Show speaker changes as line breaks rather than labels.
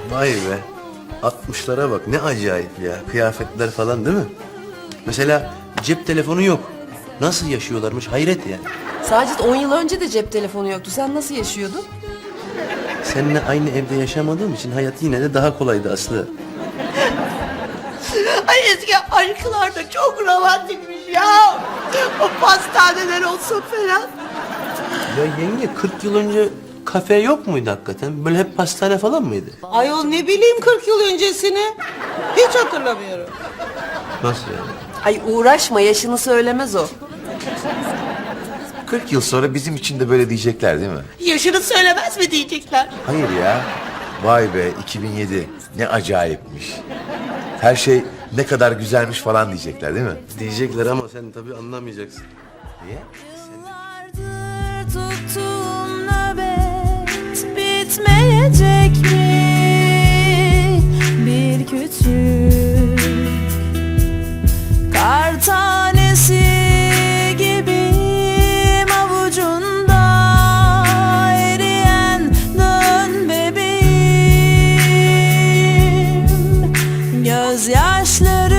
Vay be. 60'lara bak ne acayip ya. Kıyafetler falan değil mi? Mesela cep telefonu yok. Nasıl yaşıyorlarmış hayret ya.
Sacit 10 yıl önce de cep telefonu yoktu. Sen nasıl yaşıyordun?
Seninle aynı evde yaşamadığım için hayat yine de daha kolaydı Aslı.
Ay eski aşklar da çok romantikmiş ya. O pastaneler olsun falan.
Ya yenge 40 yıl önce kafe yok muydu hakikaten? Böyle hep pastane falan mıydı?
Ayol ne bileyim 40 yıl öncesini. Hiç hatırlamıyorum.
Nasıl yani?
Ay uğraşma, yaşını söylemez o.
40 yıl sonra bizim için de böyle diyecekler değil mi?
Yaşını söylemez mi diyecekler.
Hayır ya. Vay be 2007 ne acayipmiş. Her şey ne kadar güzelmiş falan diyecekler değil mi?
Diyecekler ama sen tabii anlamayacaksın. Niye?
Yıllardır tuttuğum nöbet bitmeyecek mi? Bir küçük kar tanesi gibiyim avucunda eriyen dön bebeğim. Gözyaşları